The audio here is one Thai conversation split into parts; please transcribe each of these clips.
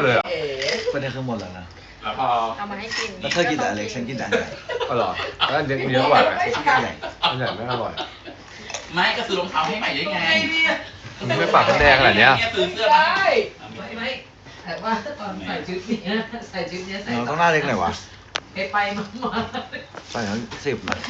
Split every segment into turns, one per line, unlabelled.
เลยอ่ะ
ประเด็นคือหมดแล้วนะ
แล้วพอ
เอามาให้กิน
แล้วเธอกินแต่อเล็กฉันกินแต่อันใหญ่
อร่อยแล้วอันเยอะกว่าไง
อันใหญ่
อันใหญ่ไม่อร่อย
ไม่ก็ซื้อรองเท้าให้ใหม่ได้ไง
มันไม่ปากแดงขนาดเนี้ย
ซื้อเสื้อมา
ไม่แต่ว่าตอนใส่ชุดนี้ใส่ชุดนี้ใส่
เราต้องหน้าเล็กหน่อยวะ
ไปมา
ใส่ทั้ง10นะ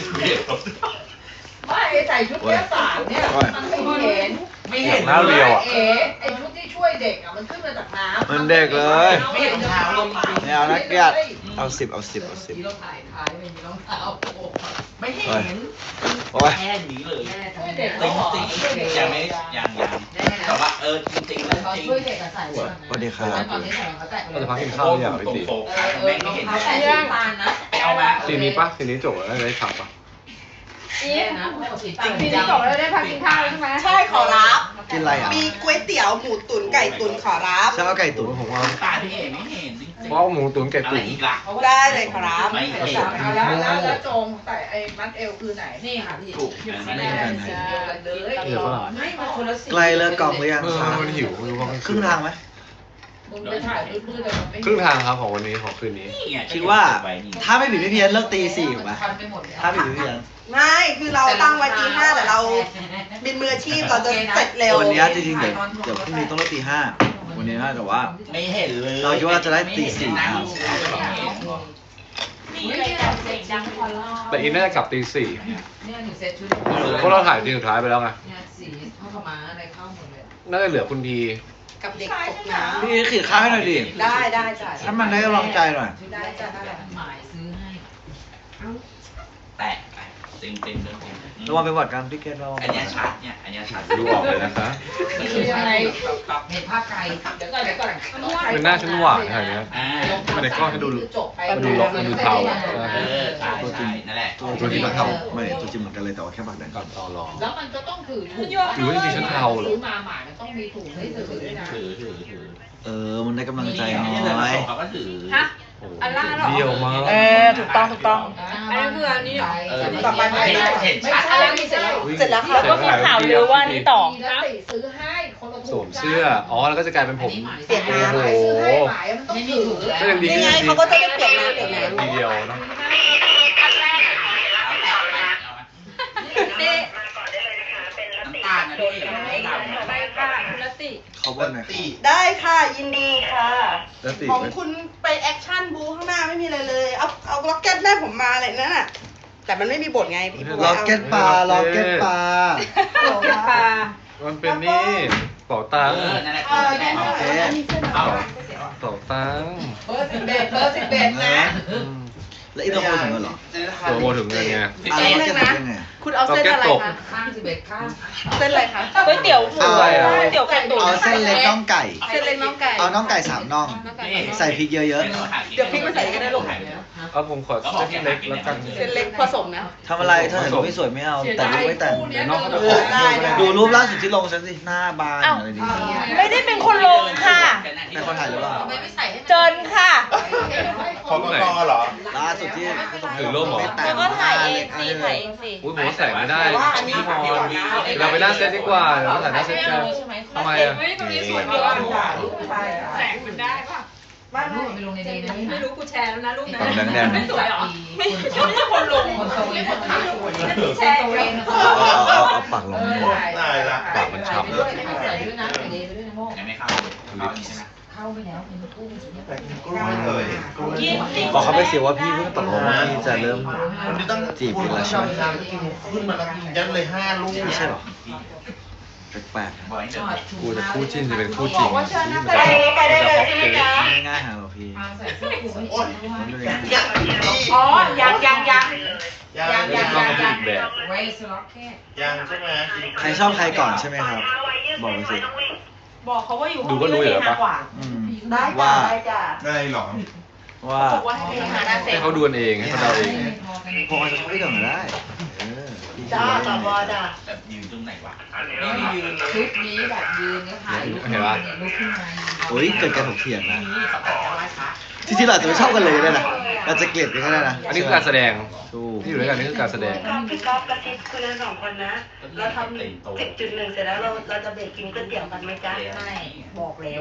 ไม่ใส่ชุดแค่สามเนี่ยมันไม่เห็น
ไม่เห็น
หน้าเรียวอ่ะ
ไอชุดที่ช่วยเด็กอ่ะมันขึ้นมาจากน้ำ
มันเด็กเลย
ไม่เห็นรองเท้าลง
ไม่เอานะเกลียดเอา10เอา10เอา
มีรองเท้าไม่มีรองเท้า
ไม่เห็น
10โอ้ย
แค่นี้เลย
ช่วยเด็ก
จริงจริงยังไม่ยังแต่ว่าจริงจริง
เขา
จริง
ช่วยเด็กอะใส่
สวัสดีครับ
ตอนนี้ใส่รองเท้าแตะ
เราจะพักกินข้าวเนี่ยพี่ตี
โฟกัสแม่งไม่เห็น
เขาใส่ชุดตาลนะ
เอามา
ทีนี้ปะทีนี้จบแล้วได้ขับปะ
นี่นะสีตาล
ทีนี้จบแล้วได้พักกินข้าวแล้วใช่ไหม
ใช่ขอรับ
กินอะไรอ่ะ
มีก๋วยเตี๋ยวหมูตุ๋นไก่ตุ๋นขอรับ
ฉันเอาไก่ตุ๋นผมเอา
ตาที่เห็นไม่เห็นจริง
เพราะหมูตุ๋นไก่
อะไร
ตุ๋น
อีกล่ะ
ได้เลยขอรับ
ไม่เห็น
แล้วโจงใส่ไอ้มัดเอวคือไหนนี่ค่ะพี่
ถูก
ไม่ได้กันไหน
เลย
เดี๋ยวฝรั่ง
ไม่มาคนละสี
ใกล้เลิกกองหรือยัง
มันหิวไม่รู้ว่ามัน
ครึ่งทางไหม
มึงไปถ่ายมืดๆเลยมันไม่
ครึ่งทางครับของวันนี้ของคืนนี้
คิดว่าถ้าไม่ผิดไม่เพี้ยนเลิกตี4ถูกไหม
คันไปหมดเลย
ถ้าไม่ผิดไม่เพี้ยน
ไม่คือเราตั้งไว้ตี 5แต่เราเป็นมืออาชีพเราจะเสร็จเร็ว
วันนี้จริงๆเดี๋ยวพรุ่งนี้ต้องเลิกตี5วันนี้นะแต่ว่า
ไม่เห็นเลย
เราคิดว่าจะได้ตี4ครับ
นี่เลยเด็กดังพอล่า
แต่อีน่าจะกลับตี
เนี่ยหนูเซ็ตชุด
4เพราะเราถ่ายทีสุดท้ายไปแล้วไง
เนี่ยสีเข้าขมาอะไรเข้าหมดเลย
น่าจะเหลือคุณที
กับเด็กตกน้
พี่ขีดข้าวให้หน่อยดิ
ำได้ได้จ้ะ
ถ้ามันได้กำลังใจหน่อย
ได้จ้ะได้หมายซื้อให้
แตะเต็มเต็มเต็ม
ระวังเป็นหวัดกันพี่เกดระวัง
อันนี้ชัดเนี่ยอันนี้ชัด
ดูออกเลยนะคะ
คือยังไงเห็นภาพไกลเดี๋ยวก่อน
เป็นหน้าฉันหวานขนาดนี้ มันในกล้องให้ดู
จบไป
มันดูล็อกมันดูเทา
ใช่ใช่นั่นแหละ
ตัวจริงมันเทาไม่ตัวจริงเหมือนกันเลยแต่ว่าแค่ปากแดง
ก่อนต่อรอง
แล้วมันก็ต้องถือถุง
หรือว่าจริงๆฉันเทาเหรอ
ซื้อมาหมามันต้องมีถุงให้ถือด้วยนะ
ถือ
มันได้กำลังใจน้
นี่
อย
เขาก็ถือ
ฮะ
โอ้โห
อันล่างเหรอ
เดี่ยวมาก
ถูกต้องถูกต้อง
อันนั้นคืออันนี้เหรอ
ต่อไปไม่ได้
เห็นชัด
อะไรไม่เสร็จแล้ว
เสร็จแล้วค่ะ
แล้วก็มีข่าวลือว่านี่ต่อ
แล้วติซื้อให้คนละ
ส
ถุ
ว
ง
มเสื้อ อ๋อ แล้วก็จะกลายเป็นผม
เปลี่ยนน้ำ
โอ้
ซื้อ
โห
ให้หมายมันต้องถือ
ก็ยังดี
ยังไงเขาก็จะได้เปลี่ยนน้ำเปลี่ยนน้ำ
ทีเดียวนะ
นี่
น้ำตาลนะพี่ไม่ดำ
ไปค่ะคุณลติ
เขาบ่นหน่อย
ได้ค่ะยินดีค่ะ
แล้วติ
ของคุณไปแอคชั่นบูข้างหน้าไม่มีอะไรเลย เอาล็อกเก็ตแม่ผมมาเลยนั่นน่ะแต่มันไม่มีบทไงพี่บัว
ล็อกเก็ตปลาล็อกเก็ตปลา
โอเคค่ะ
มันเป็นนี่เป๋าตังค์
นั่นแหละ
โอเค
เอา
เป๋าตังค์
เบอร์11นะ
อืม
แล้วอีตัวโคถึงกันเหรอ
ตัวโมถึงเงินไง
ล็อกเก็ตถึงยังไง
คุณเอาเส้นอะไรคะ
ข้าง11ข้าง
เส้นอะไรคะ
ก๋วยเตี๋ยวหมู
อะไรอ่ะ
ก๋วยเตี๋ยวไก่ตุ๋น
เอาเส้นเล็กน่องไก่
เส้นเล็กน้องไก่
เอาน่องไก่3น่อง ใส่พริกเยอะ
เดี๋ยวพริกมาใส่ก็ได้ลูก
เอาผมขอเส้นเล็กแล้วกัน
เส้นเล็กผสมนะ
ๆทำอะไรถ้าเห็นรูปไม่สวยไม่เอา แต่รูปไม่แต่ง
เดี๋ยวน้องเขาจะ
เอ
ขอ
อได้ดูรูปล่าสุดที่ลงฉันสิหน้าบานอะไรดี
ไม่ได้เป็นคนลงค่ะ
เป็นคนถ่ายหรือเปล่า
ทำไมไม่ใส่ให้
เจนค่ะ
ของไหนเหรอ
ล่าสุดที่
ถือร่มเหรอ
แล้วก็ถ่ายเองสิถ่ายเองสิ
อุ้ยผมว่าใส่ไม่ได้พี่พรเราไปหน้าเซตดีกว่าเดี๋ยวเราถ่ายหน้าเซตกันทำไมอ่ะ
ตรงนี้สวย
ไม่
มาก
ได้
แสงมันได้ป่ะ
รูปไปลงในนี้นะ
ไม่รู้กูแชร์แล้วนะรูปนั้น
ฝั่งแดงๆ
ไม่สวยเหรอไม่ใช่คนลง
คนตะเวนคนถ่ายสวย
แชร์
ตะเวน
เอาปากลงนี่
ได้ละใส่ด้วยนะใส่เลยด้วยนะโม
ยังไม่เข้าเข้านี่ใช่ไหม
เข้าไปแล้วเป็นกุ้ง
บอกเขาไปสิว่าพี่เพิ่งตกลงว่าพี่จะเริ่ม
วันนี้ต้อง
จีบกันแล้วใช่ไหม
ขึ้นมาแล้วยัดเลย5 ลูก
ไม่ใช่หรอแปลก
บอยเดิน
กูจะคู่จิ้นจะเป็นคู่จริง
ไปได้เลยใช่ไหมจ๊ะ
ๆง่ายๆหาหรอพี่
ใส่เสื้อคลุม
มันเลยง่าย
อ๋อยัง
ยัง
ต้องเป็นอีกแบบ
ไว้สล็อกแค่
ยังใช่ไหม
ใครชอบใครก่อนใช่ไหมครับ บอกไปสิ
บอกเขาว่าอยู่ห้อง
ดูก็รู้อยู่แล้วปะ
กว่า
อืม
ได้
ว่า
จ้ะได้จ้ะ
ได้หรอ
ว่า
บอกว่าให้ไปหาหน้าเซ็
ให้
ต
เขาดูกันเองให้เขาเดาเอง
พวกเราจะเข้าไปก่อนก็ได้พี่
จ้าต่อบอจ้ะ
แบบยืนตรงไหนวะนี่ยืนเลย
ชุดนี้แบบยืนก็ถ่ายรูปลุกขึ้นมา
โอ้ยเกิดการถกเถียงนะ
นี่สปอร์ต
จริงๆเราอาจจะไม่ชอบกันเลยก็ได้นะเราจะเกลียดกันก็ได้นะ
อันนี้คือการแสดง
ถูก
ที่อยู่ด้วยกันนี่คือการแสดง
พี่ก๊อฟกระซิบคุยกัน2 คนนะ เราทำ10.1 เสร็จแล้วเราจะเบรกกินก๋วยเตี๋ยวกันไหมจ๊ะ
ไม่บอกแล้ว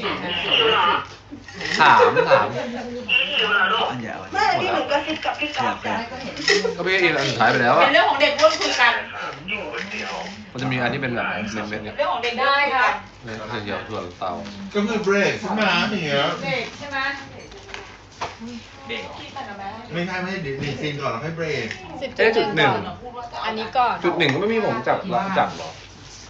ถาม
อันใหญ่เอาไว้
ไม่พี่หนูกระซิบกับพี่ก๊อฟจ้ะ
ก็พี่อินอันสุดท้ายไปแล้ว
เป็
อะ
นเรื่องของเด็กร่วมคุยกัน
มันจะมีอันที่เป็นแบบเม็ดๆเนี่ย
เรื่องของเด็กได้ค่ะ
เขียวๆถั่วเตา
ก็คือเบรกใช่ไหมอย่างเงี้ย
เด็กใช่ไหม
เด็ก
ไม่ใช่เดี๋ยวซีนก่อนแล้วค่อยเบรก
เอ๊ะจุดหนึ่ง
อันนี้ก่อน
จุดหนึ่งก็ไม่มีผมจับจับหรอ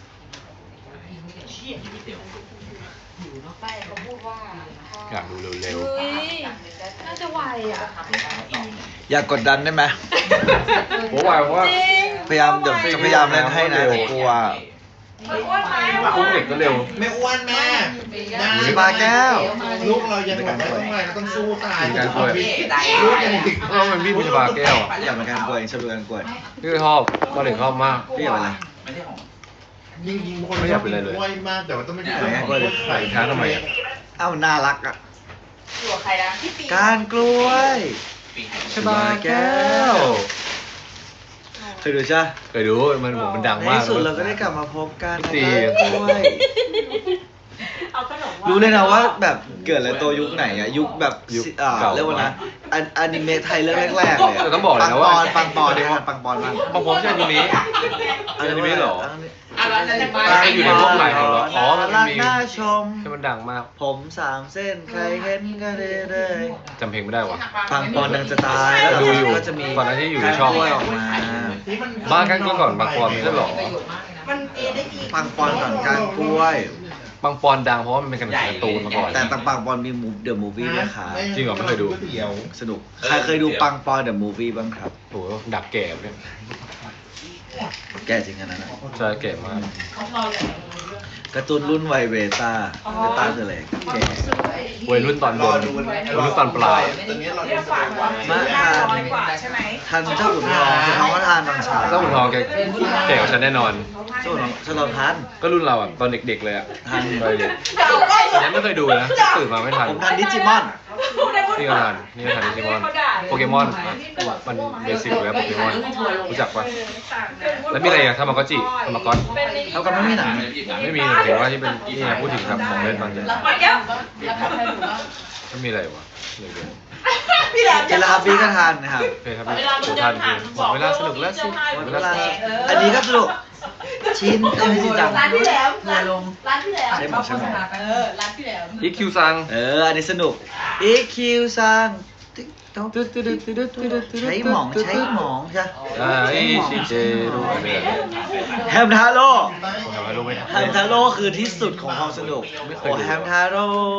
ไม่เขาพูดว่า
อยากดูเร็ว
เฮ้ยน่าจะไวอ่ะ
อย่ากดดันได้ไหม
ๆผมว่าว่า
พยายามเดี๋ยวจะพยายามเล่นให้นะแต่กลัว
อ้วนไหม
อุ้มเด็กก็เร็ว
ไม่อ้วนแม่ได้
สปาแก้ว
ลูกเรายังแบบไม่ต้องอะไรเราต้องสู้ตาย
มีการช่วย
ลูกยังติด
เออมันพี่มีชบาแก้วอะ
อยากเป็นการกลัวเองชอบดูการกลัว
พี่ชอบตอนเด็กชอบมาก
พี่อยากเป็นอะไร
ไม่ใช่ของ
ยิงคน
ไม่อยากเป็นอะไรเลย
อ้วนมากแต่ว่าต้องไม่ได้
ไม่อยากเป็นอะไรเลย
ใส่
ช้าทำไมอะ
เอ้าน่ารักอ่ะ
อยู่กับใครนะพี่ปี
การกล้วย
ปีก
ชบาแก้ว
เคยดูใช่ไหม
เคยดูมันดัง
ใน
มาก
ที่สุดเราก็ได้กลับมาพบกันนะ
ตี
การกล้วย
เอาขนม
รู้เลยนะว่าแบบเกิดอะไรตัวยุคไหนอะยุคแบบ
ยุคเก่า
เรียกว่านะอนิเมะไทยเรื่องแรกๆเลยะ
แต่ต้องบอกเลยนะว่า
ปังปอนเนี่ยปังปอนมาก
บางผมใช่อนิเมะอนิเมะเหรอ
อะไรนั่นจะมา
มันอยู่ในพวกไหนของเราอ๋อมันมี
รักน่าชม
ที่มันดังมาก
ผม3 เส้นใครเห็นก็ได้เลย
จำเพลงไม่ได้วะ
ปังปอนดังจะตายแล้ว
ดูอยู่
ก็จะมี
ก่อนหน้าที่อยู่ในช่อง
กล้วยออกมา
บ้านกันก่อนบางปอนไม่ใช่เหรอ
ประโยชน์มากเลยนะ
มันมีได้อีก
ปังปอนก่อนการกล้วย
บางปอนดังเพราะว่ามันเป็นการ์ตูนมาก่อน
แต่ปังปอนมีเดอะมูฟวี่ด้วยค่ะ
จริงเหรอไม่เคยดู
ก๋วเตี๋ยว
สนุกใครเคยดูปังปอนเดอะมูฟวี่บ้างครับ
โหดักแก่เนี่ย
แกจริงอันนั้นนะ
ใช่แก่มาก
การ์ตูนรุ่นวัยเบต้าเบต้าคืออะไรแก
วัยรุ่นตอนบนวัยรุ่นตอนปลาย
ตอนนี้เรา
เรียกฝากว่า
มาทาน
500 กว่าใช่ไหม
ทันเจ้าขุนทองขุนทองก็ทานตอนเช้า
เจ้าขุนทองแกแก่กว่าฉันแน่นอน
เจ้าขุนทองฉลองทัน
ก็รุ่นเราอ่ะตอนเด็กๆเลยอ่ะ
ทัน
ตอนเด็กยังไม่เคยดูนะตื่นมาไม่ทัน
ผมทันดิจิมอน
นี่ก็ทันนี่ก็ทันดิจิมอนโปเกมอนมันเบสิกเลยโปเกมอนรู้จักปะแล้วมีอะไรอ่ะทามากอจิทามากอน
เขาก็ไม่มีหนัง
ไม่มีเห็นว่าที่เป็นนี่ไงพูดถึงครับของเล่นบางอย่าง
แล้วไปแก้ว
ไม่มีอะไรวะเลย
พี่แหลม
เจลาบีก็ทันนะครับ
โอเคครับผมทันจริงเวลาสนุกแล้วสิ
หมดเวลาอันนี้ก็สนุกชิ้นไม่จริงจัง
ร้านพี่แหลม
ทัวร์ลง
ร้านพี่แหลม
ใช่ไหมใช่ไหม
ร้านพี่แหลม
อีคิวซัง
อันนี้สนุก EQ ซังติ๊กต๊อกใช้หมองใช้หมองใช่
อีชิเจรูอันนี้
แฮมทาโร่
ผมทำให้รู้ไม่ทัน
แฮมทาโร่คือที่สุดของความสนุก
ไม่เคย
โอ้
ดู
แฮมทาโร่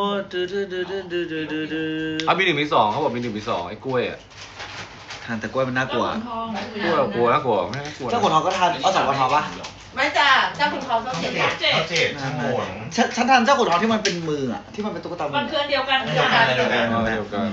เอามีหนึ่งมีสองเขาบอกมีหนึ่งมีสองไอ้กล้วยอ่ะ
ทานแต่กล้วยมันน่ากลัว
กล้วยกลัวน่ากลัวไม่น่ากลัว
เจ้าขุนทองก็ทานเอา2 กระทอปะ
ไม่จ้าเจ้าคุณเขาต้องเสีย
เขาเจ็บขโมย
ฉันทานเจ้าขุนทองที่มันเป็นมืออะที่มันเป็นตุ๊กตามื
มันคืออันเดียวกัน
เดียวกันเลย
เดียวกัน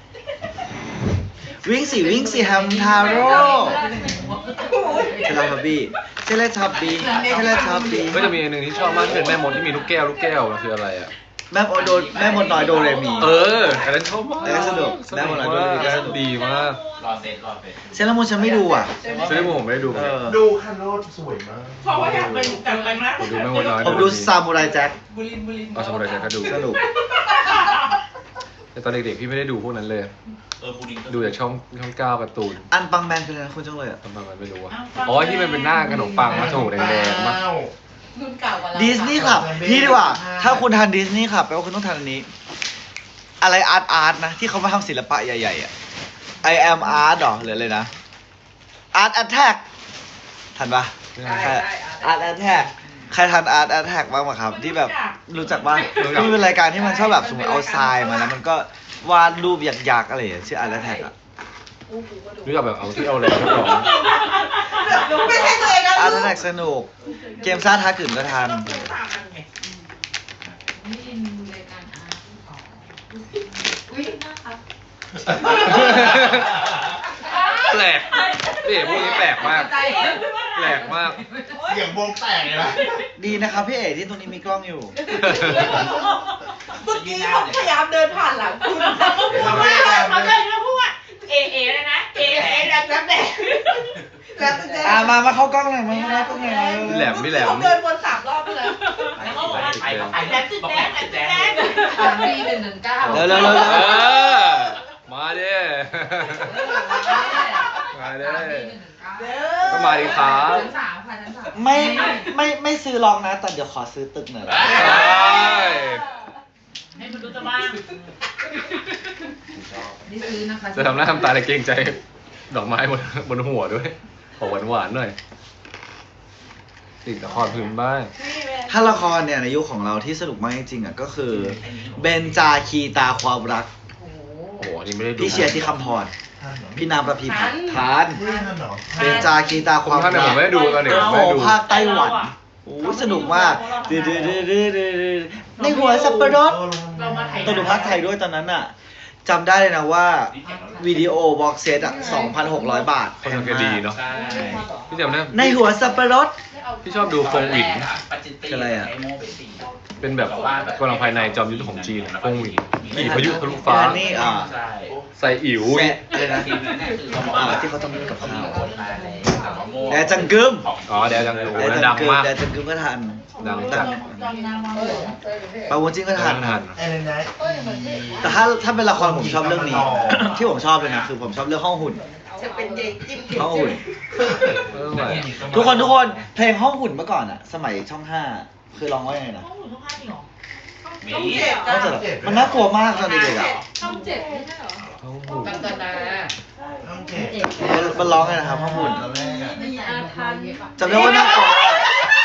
วิ่งสิแฮมทาโร่เทเลทับบี้เทเลทับบี้เทเลทับบี้
ก็จะมีอันหนึ่งที่ชอบมากที่เป็นแม่มดที่มีลูกแก้วมันคืออะไรอ่ะ
แม่มดน้อยโดเรมี
อันนั้นชอบมาก
อันนั้นสนุกแม่มดน้อยโดเรมีก็สนุก
ดีมาก
รอเสร็จ
เซเลอรามูนฉันไม่ดูอ่ะ
ซึ่งผมไม่ได้ดู
เออ
ดูคันโรดสวยมาก
เพราะว่าอยากไปกลับไปมาก
ผมดูแม่มดน้อย
ผมดูซามูไรแจ็ค
บุรินทร์
เอาสมุไรแจ็คก็ดู
สนุก
แต่ตอนเด็กๆพี่ไม่ได้ดูพวกนั้นเลย
บูดิง
ดูจากช่อง9การ์ตูน
อันปังแมนคืออะไรนะคุณจังเลยอ่ะ
ทำไมมันไม่รู้อ่ะอ๋อที่มันเป็นหน้าขนมปังมาถูกแดงๆมา
อ้าว
รุ่นเก่ากว่าเรา
ดิสนีย์คลับนี่ดีกว่า ถ้าคุณทานดิสนีย์คลับแปลว่าคุณต้องทานอันนี้ อะไรอาร์ตนะ ที่เขามาทำศิลปะใหญ่ๆอ่ะ I am art หรอหรืออะไรนะ Art Attack ทันปะ Art Attack ใครทัน Art Attack บ้างปะครับ ที่แบบรู้จักบ้างที่เป็นรายการที่มันชอบแบบสมมติเอาทรายมาแล้วมันก็วาดรูปหยักๆอะไรอย่างเงี้ยชื่อ Art Attack อ่ะ
รู้จักแบบเอาที่เอาอะไรก็ลอง
ไม่ใช่ตัวเองนะ
Art Attack สนุก เกมซ่าท้าขืนก็ทัน
นี่ดูรายการอาร์ตอุ้ยน่าครับ
แปลกนี่พวกนี้แปลกมาก แปลกมาก
เสียงวงแตกเลยนะ
ดีนะครับพี่เอ๋ที่ตรงนี้มีกล้องอยู่
เมื่อกี้เขาพยายามเดินผ่านหลังคุณ
เขาเลยมาพูดว่าเอเลยนะเอแล้วแต่
แล้วแต่
มาเข้ากล้องหน่อยมาเข้ากล้องหน่อย
พี่แหลมพี่แหลม
เขาเดินวน3 รอบเลย
เขาบอกว่าไอ้แดงติดแดงติดแดง
อันนี้119
เร็ว
มาดิมาดิ
เด้
ก็
อ
มาดิครับ
ชั้น 3ค่ะชั้น 3
ไม่ซื้อลองนะ แต่เดี๋ยวขอซื้อตึกหน่อย
ให้มันดูจะบ้าง
นี่ซื้อนะคะ
จะทำหน้าทำตาอะไรเกรงใจ ดอกไม้บนหัวด้วยขอหวานๆหน่อยสิ่งละครพื้นบ้าน
ถ้าละครเนี่ยในยุคของเราที่สนุกมากจริงๆอ่ะก็คือเบนจาคีตาความรัก
โอ้โห
โอ้โหอันนี้ไม่ได้ดู
พี่เชียร์ที่คำพร
ท่านเหรอ
พี่นามประพีพัฒน์ทาน
เฮ้ยท่านเหรอ
เบนจาคีตาความ
ท่าน
รั
ผมไม่ได้ดูตอนเด็ก
โอ้
ผม
โห
ไม่ได้ดู
ภาคไต้หวันโอ้สนุกมากในหัวสับปะรด
เรามาถ่าย
ต้องดูภาคไทยด้วยตอนนั้นอ่ะจำได้เลยนะว่าวิดีโอบ็อกเซตอ่ะ 2,600 บาท
คนสังเกตดีเนาะ
ใช่
พี่จำได้
ในหัวสับปะรด
พี่ชอบดูฟงหวิน
คืออะไรอะ
เป็นแบบกำลังภายในจอมยุทธของจีนฟงหวินขี่พายุทะลุฟ้า
นี่
ใช่
ใส่อิ๋ว
แซ่เลยนะ
ทีมนั้นเนี่ยคือเขาบอก
ที่เขาทำกับข้าว
แอ
แอร์จังกึม
อ๋อเดี๋ยวจังดู
แอร์
นะ
จั
ดั
ง
ง
กึม
มาก
แอร์จังกึมก็ทัน
ดังจัด
ปาวุ้นจิ้งก็ทัน
ทัน
อะไรนะ
แต่ถ้าเป็นละครผมชอบเรื่องนี้ ที่ผมชอบเลยนะคือผมชอบเรื่องห้องหุ่น
จะเป็นเด็กจิ้ม
ห้องหุ่น
เออไหว
ทุกคนเพลงห้องหุ่นเมื่อก่อนอะสมัยช่อง 5 คือร้องว่ายังไงนะ
ห้องหนูทุกภาคจริงเหรอ
มี
ก็จะมันน่ากลัวมากตอนเด็กๆอะ
ช่อง7ไม่ใช่เหรอ
ห้องหุ่น
กัญจนา
ต้องเก็บ
มันร้องไงนะครับห้องหุ่น
ตอนแรกอะ
มีอาทัน
จำได้ว่าน่ากลัวมาก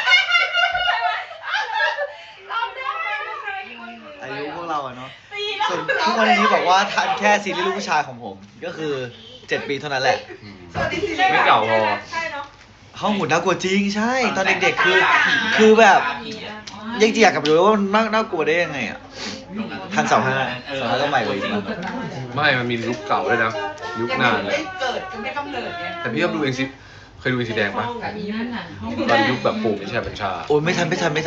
อายุพวกเราอะเนาะส่วนทุกวันนี้บอกว่าทันแค่ซีรีส์ลูกผู้ชายของผม ก็คือ 7 ปีเท่านั้นแหละ
ไม่เก่าพอ
ใช่เนาะ
ห้องหุ่นน่ากลัวจริงใช่ ตอนเด็กๆคือแบบยังอยากกลับไปดูว่ามันน่ากลัวได้ยังไงอ่ะทัน25ก็ใหม่กว่าอีกมั้ง
ไม่มันมียุคเก่าด้วยนะ ยุคนานเลย
ไม่เกิดไม่กำเนิดไง
แต่พี่ชอบดูเองซิเคยดูเองสีแดงปะ
อีนั่นน่ะห้อง
ตอนยุคแบบปู่ไม่ใช่บัญชา
โอ้ยไม่ทัน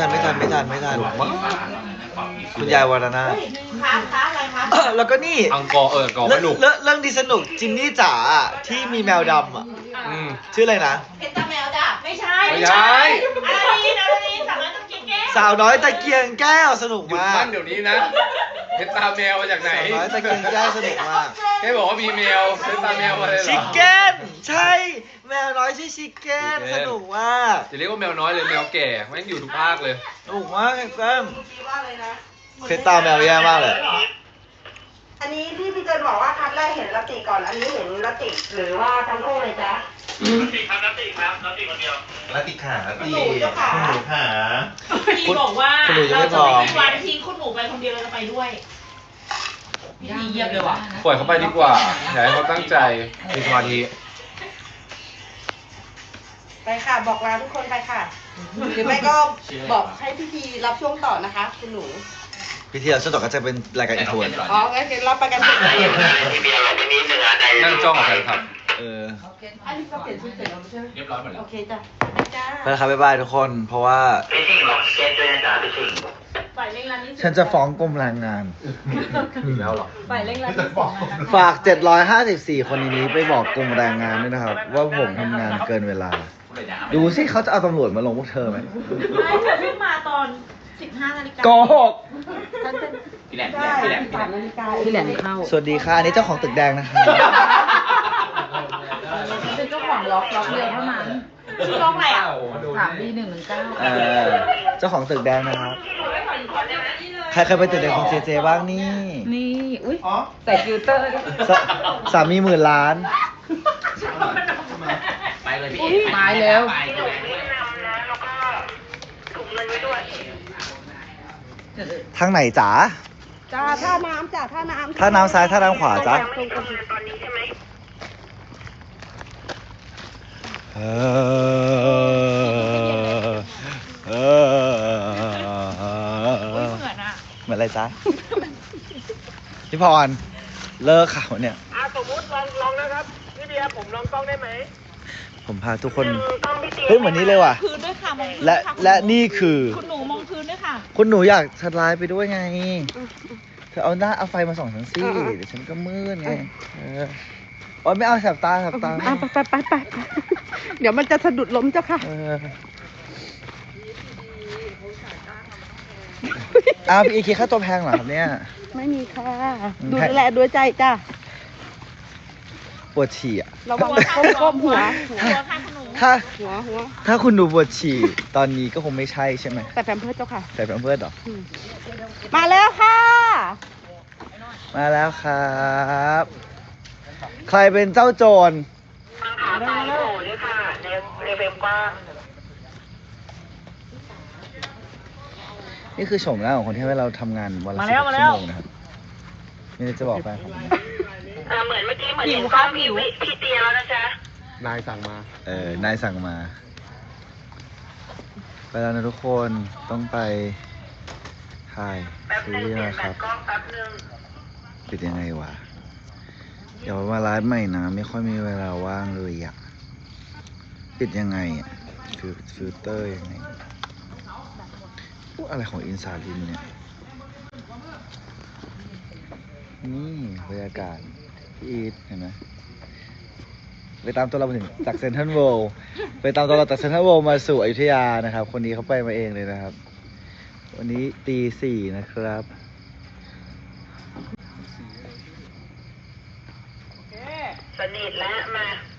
คุณยายวรนาถ
ค้าอะไรคะ
แล้วก็นี่
อังกอร์อังกอร์ไม่หนุก
เรื่องดีสนุกจินนี่จ๋าอะที่มีแมวดำอ่ะ
อืม
ชื่ออะไรนะ
เพชรตาแมวจ้ะไม่ใช่
ไม่ใช่
อะไรนี่สั่งแล้วต้องกินแก้ว
สาวน้อยตะเกียงแก้วสนุก
หยุด
มา
ปั้
ก
นเดี๋ยวนี้นะเพชรตาแมวมาจากไหน
สาวน้อยตะเกียงแก้วสนุกมาก
แค่บอกว่ามีแมวเพชรตาแมวมาเลยเหรอ
ชิคเก้นใช่แมวน้อยชื่อชิคเก้น
ชิคเก้น
สนุกมาก
จะเรียกว่าแมวน้อยเลยแมวแก่แม่งอยู่ทุกภาคเลย
สนุกมากแก้ม
คิดว่าเลยนะ
เพชรตาแมวแย่มากเลย
อันนี้ที่พี่เจนบอกว่าคัดแรกเห็นละติก่อน อันนี้เห็นละติหรือว่าทั้งคู่เลยจ๊ะ
แล้วติขาติ
หนูเจ้าขา
หนูขา
พี่บอกว่า
คุณหนูจะไม่พอ
วันทิ้งคุณหนูไปคนเดียวเราจะไปด้วยพี่ดีเยี่ยมเลยว่ะ
ปล่อยเขาไปดีกว่าอย่าให้เขาตั้งใจมีสมาธิ
ไปค่ะ บอกลาทุกคนไปค่ะ หรือไม่ก็บอกให้พี่พีรับช่วงต่อนะคะ คุณหนู
พิธีเราช่วงต่อก็จะเป็นรายการอินโทรน
อ๋องั้นเดี๋ยวเราไปกันเถอะ
นั่งจ้องกับแฟนคลับ
อันนี้ก็เปลี่ยนชุดเสร็จแล้วใช่ไหม
เรียบร้อยหมดแล้ว
โอเคจ้ะจ้า
ไปแล้วครับบ๊ายบายทุกคน เพราะว่า
ฝ่ายเร่งรัดนี่
ฉันจะฟ้องกรมแรงงาน
อีกแล้วเหรอ
ฝ่ายเร่งรัด
จะบอก
ฝาก 754 คนในนี้ไปบอกกรมแรงงานด้วยนะครับ ว่าผมทำงานเกินเวลา ดูสิเขาจะเอาตำรวจมาลงพวกเธอไหม
ไม่เธอเพิ่งมาตอน 15 นาฬิกา
โกหก
ฉันเป็น
พี่แหลม
ได้
พี่แหลม
3 นาฬิกา
พี่แหลมเข้า
สวัสดีค่ะอันนี้เจ้าของตึกแดงนะคะ
เป็นเจ้าของล็อกเดียวเท่านั้น
ชื่อร้องอะไรอ่ะ
ถามดี119
เจ้าของตึกแดงนะครับ ใครเคยไปตึกแดงของเจเจบ้างนี่
นี่ อุ้ยใส่ฟิลเตอร์ด้วย
สามีหมื่นล้าน
ไปเลยพี่
ตายแล้ว
ไปเลย
ทางไหนจ๋า
จ้าท่าน้ำจ้าท่าน้ำ
ท่าน้ำซ้ายท่าน้ำขวาจ๊ะ
ตรงกับตอนนี้ใช่ไหม
เออ
เหมือนอ่ะ
เหมือนอะไรจ๊ะ พี่พร เลิกข่าวเนี่ย
สมมติลองนะครับพี่เบียร์ผมลองกล้องได้ไหม
ผมพาทุกคน เฮ้ยเหมือนนี้เลยว่ะ
พื้นด้วยค่ะมองพื้น
และ
ค่ะ
และนี่คือ
คุณหนูมองพื้นด้วยด้วยค่ะ
คุณหนูอยากสไลด์ไปด้วยไง เธอเอาไฟมาส่องฉันสิเดี๋ยวฉันก็มืดไงโอ๊ยไม่เอาแสบตาแสบตา
ไปเดี๋ยวมันจะสะดุดล้มเจ้าค่ะ
พี่คิดค่าตัวแพงเหรอครับเนี่ย
ไม่มีค่ะ ดูแลด้วยใจจ้ะ
ปวดฉี่อ่ะ
ระวังก้มหัว
หัวค่ะคุณหนู
ถ้าคุณหนูปวดฉี่ตอนนี้ก็คงไม่ใช่ใช่ไหม
แต่แพมเพิร์สเจ้าค่ะ
ใส่แพมเพิร์สเหรอ
มาแล้วค่ะ
มาแล้วครับ ใครเป็นเจ้าโจร
ขาซ้ายโผล่ด้วยค่ะในเฟรมกว้าง
นี่คือโฉมหน้าของคนที่ให้เราทำงานวันละ
มา
16
แล้ว
ชั่วโมงนะครับมีอะไรจะบอกไปครับ
เหมือนเมื่อกี้เหมือนเห็นกล้องพี่เตียแล้วนะจ๊ะ
นายสั่งมา
นายสั่งมา ไปแล้วนะทุกคนต้องไปถ่าย
แป๊บ
ซี
นึง
รีส์
เปลี่ยน
นะ
แบ
ครับ
ตกล้องแป๊บนึง
ปิดยังไงวะ เดี๋ยวมาไลฟ์ใหม่นะ ไม่ค่อยมีเวลาว่างเลยอ่ะ ปิดยังไงอ่ะฟิลเตอร์ยังไงพวกอะไรของอินซาลินเนี่ย นี่บรรยากาศพี่อีทเห็นไหมไปตามตัวเรามาถึงจากเซนทรัลเวิลด์ไปตามตัวเราจากเซนทรัลเวิลด์มาสู่อยุธยานะครับ คนนี้เขาไปมาเองเลยนะครับ วันนี้ตี 4นะครับ
สนิทแล้วมา